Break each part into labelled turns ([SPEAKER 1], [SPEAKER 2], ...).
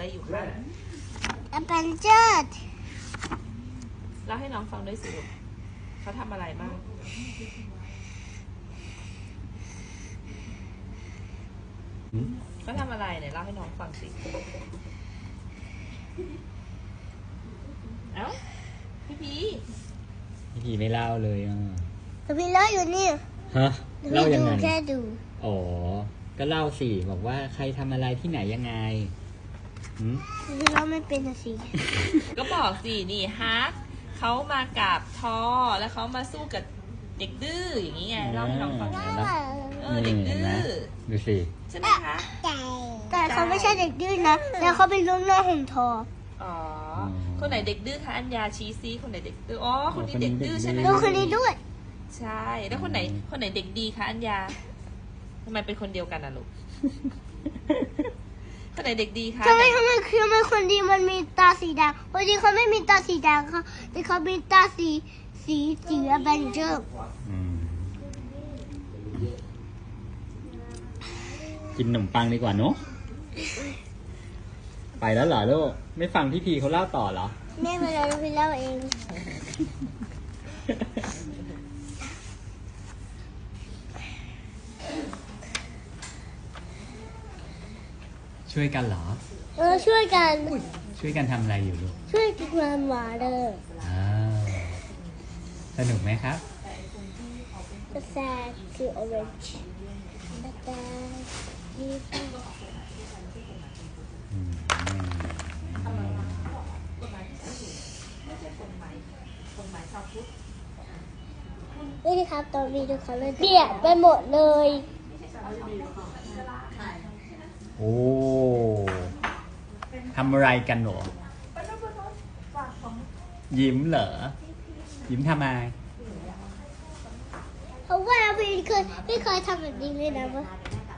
[SPEAKER 1] อะไรอยู่คะ
[SPEAKER 2] Avengers
[SPEAKER 1] เล่าให้น้องฟังด้วยสิลูกเขาทำอะไรบ้างเขาทำอะไรเนี่ยเล่าให้น้องฟังสิเอ้าพี่
[SPEAKER 3] ไม่เล่าเลยอ่ะ
[SPEAKER 2] แต่พี่เล่าอยู่นี่
[SPEAKER 3] ฮะเล่ายังไง
[SPEAKER 2] แค่ดู
[SPEAKER 3] อ๋อก็เล่าสิบอกว่าใครทำอะไรที่ไหนยังไงหืม
[SPEAKER 2] พี่เล่าไม่เป็นสิ
[SPEAKER 1] ก็บอกสินี่ฮักเขามากับทอแล้วเขามาสู้กับเด็กดื้ออย่างนี้ไงเล่าให้น้องฟัง เด็กดื้อ
[SPEAKER 3] ดูสิ
[SPEAKER 1] ใช่ไหมคะ
[SPEAKER 2] แต่เขาไม่ใช่เด็กดื้อนะแล้วเขาเป็นลูกน้องของทอ
[SPEAKER 1] อ๋อคนไหนเด็กดื้อคะอัญญาชี้ซิคนไหนเด็กดื้ออ๋อคนนี้เด็กดื้อใช่ไหม
[SPEAKER 2] ลูกคนนี้ด้วย
[SPEAKER 1] ใช่แล้วคนไหนเด็กดีคะอัญญาทำไมเป็นคนเดียวกันนะลูก คนไหนเด็กดีคะ
[SPEAKER 2] ทำไมคนดีมันมีตาสีแดงคนดีเขาไม่มีตาสีแดงเขาแต่เขามีตาสีอเวนเจอร์
[SPEAKER 3] กินขนมปังดีกว่าเนอะไปแล้วเหรอลูกไม่ฟังพี่พีเขาเล่าต่อเหรอ
[SPEAKER 2] แม่เวลาเราไปเล่าเอง
[SPEAKER 3] ช่วยกันเหรอ
[SPEAKER 2] ช่วยกัน
[SPEAKER 3] ช่วยกันทำอะไรอยู่ลูก
[SPEAKER 2] ช่วยกินมันหวานเลย
[SPEAKER 3] อ่าสนุกไหมครับ
[SPEAKER 2] กาแฟคือ orange กาแฟที่นี่ครับตอนนี้ดูเขาเลยเปียกไปหมดเลย
[SPEAKER 3] โอ้ทำอะไรกันหรอยิ้มเหรอยิ้มทำไม
[SPEAKER 2] เพราะว่าไม่เคยทำแบบนี้เลยนะวะ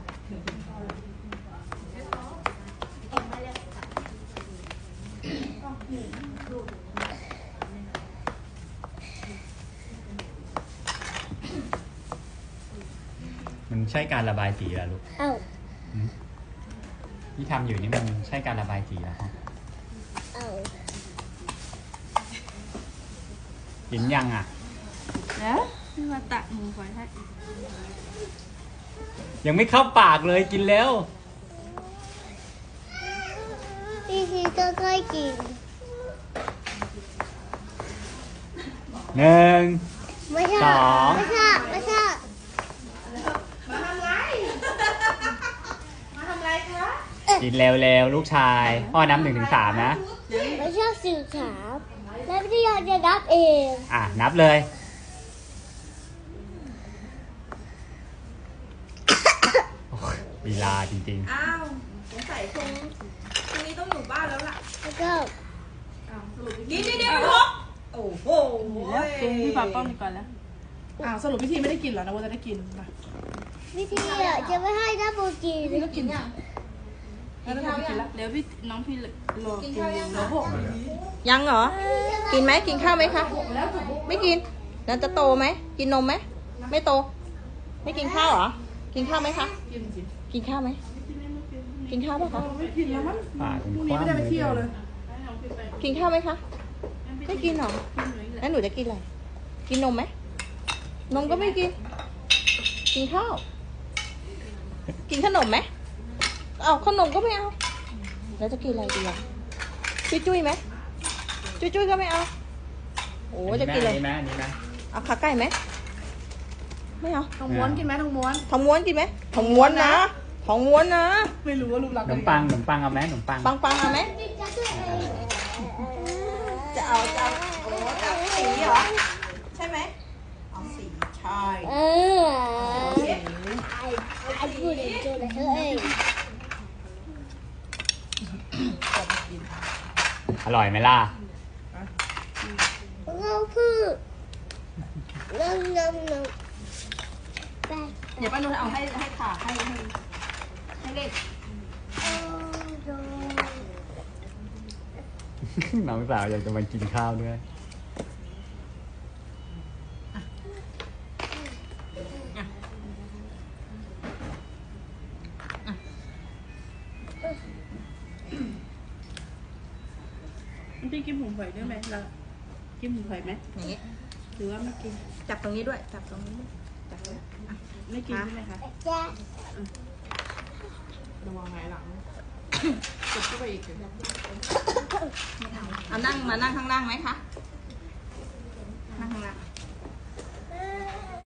[SPEAKER 3] มันใช่การระบายสีเหรอลูก
[SPEAKER 2] เอ้า
[SPEAKER 3] ที่ทำอยู่นี่มันใช่การระบายสีเหรอครับ
[SPEAKER 2] เอ้า
[SPEAKER 3] กินยังอ่ะ
[SPEAKER 1] นะมาตักมือไว้ให้
[SPEAKER 3] ยังไม่เข้าปากเลยกินแล้ว
[SPEAKER 2] พี่ทีก็ค่อยกิน
[SPEAKER 3] หนึ่ง
[SPEAKER 2] ไม่ใช่
[SPEAKER 3] สอง
[SPEAKER 2] ไม่ใช่ไม่ใช่
[SPEAKER 3] กินเร็วๆลูกชายพ่อนับ1 ถึง 3นะ
[SPEAKER 2] ไม่ใช่สื่อขาวแล้วพี่ยอจะรับเอง
[SPEAKER 3] อ่ะนับเลยโอ้ยลีลาจริง
[SPEAKER 1] อ้าวสงสัยคงนี้ต้องอยู่บ้านแล้วล่ะ
[SPEAKER 2] แล้วก็
[SPEAKER 1] กินเดี๋ยวพกโอ้โห
[SPEAKER 4] แล้วกินพี่ปาป้อมดีกว่าแล้วอ้าวสรุปพี่ทีไม่ได้กินเหรอนะว่าจะได้กินมา
[SPEAKER 2] วิธีจะไม่ให้ดับเบิลกิน
[SPEAKER 4] พี่ก็กินยังแล้วเรากินแล้วเดี๋ยวพี่น้องพี่รอกินเหลือ6
[SPEAKER 1] ยังเหรอ กินไหมกินข้าวไหมคะ ไม่กิน แล้วจะโตไหม กินนมไหม ไม่โต ไม่กินข้าวเหรอ กินข้าวไหมคะ
[SPEAKER 4] กินสิ
[SPEAKER 1] กินข้าวไหม กินข้าวป่ะคะ
[SPEAKER 4] ไม่กินแล้วมั้ง
[SPEAKER 3] ๆปาก
[SPEAKER 4] พรุ่งนี้ไม่ได้ไปเที่ยวเลย
[SPEAKER 1] กินข้าวไหมคะ ไม่กินเหรอ แล้วหนูจะกินอะไร กินนมไหม นมก็ไม่กิน กินข้าว กินขนมไหมเอาขนมก็ไม่เอา แล้วจะกินอะไรดีอ่ะจุ้ยไหมจุ้ยก็ไม่เอา โอ้จะกินอะไร
[SPEAKER 3] นี่ไหมนี่ไหม
[SPEAKER 1] เอาขาไก่ไหม ไม่เอา
[SPEAKER 4] ทองม้วนกินไหมทองม้วน
[SPEAKER 1] ทองม้วนกินไหมทองม้วนนะทองม้วนนะ
[SPEAKER 4] ไม่รู้ว่ารูปลักษณ์
[SPEAKER 3] ขนมปังเอาไหมขนมปัง
[SPEAKER 1] ปังเอาไหม จะเอาโอ้จะเอาสีเหรอ ใช่ไหมเอาสีใช่
[SPEAKER 2] ไอ้พูดเองเจอเลยเฮ้ย
[SPEAKER 3] อร่อยไหมล่ะ
[SPEAKER 2] เราพูดน้ำไป
[SPEAKER 4] เดี๋ยวป้านุชเอาให้ขาให้เล่น
[SPEAKER 3] น้องสาวอยากจะมากินข้าวด้วย
[SPEAKER 4] พี่กินหมูฝอยด้วยไหมเรากินหมูฝอยไหม
[SPEAKER 1] อย่างนี้
[SPEAKER 4] หรือว่าไม่กิน
[SPEAKER 1] จับตรงนี้ด้วย จับตรงนี้ด้วยจับตรงนี้อ่ะ
[SPEAKER 4] ไม่กินใช่ไหมคะ
[SPEAKER 2] จ้า
[SPEAKER 4] ระวังไงหลังกดเข้าไปอีกเดี๋ยว
[SPEAKER 1] เอานั่งมานั่งข้างล่างไหมคะ นั่งข้างล่าง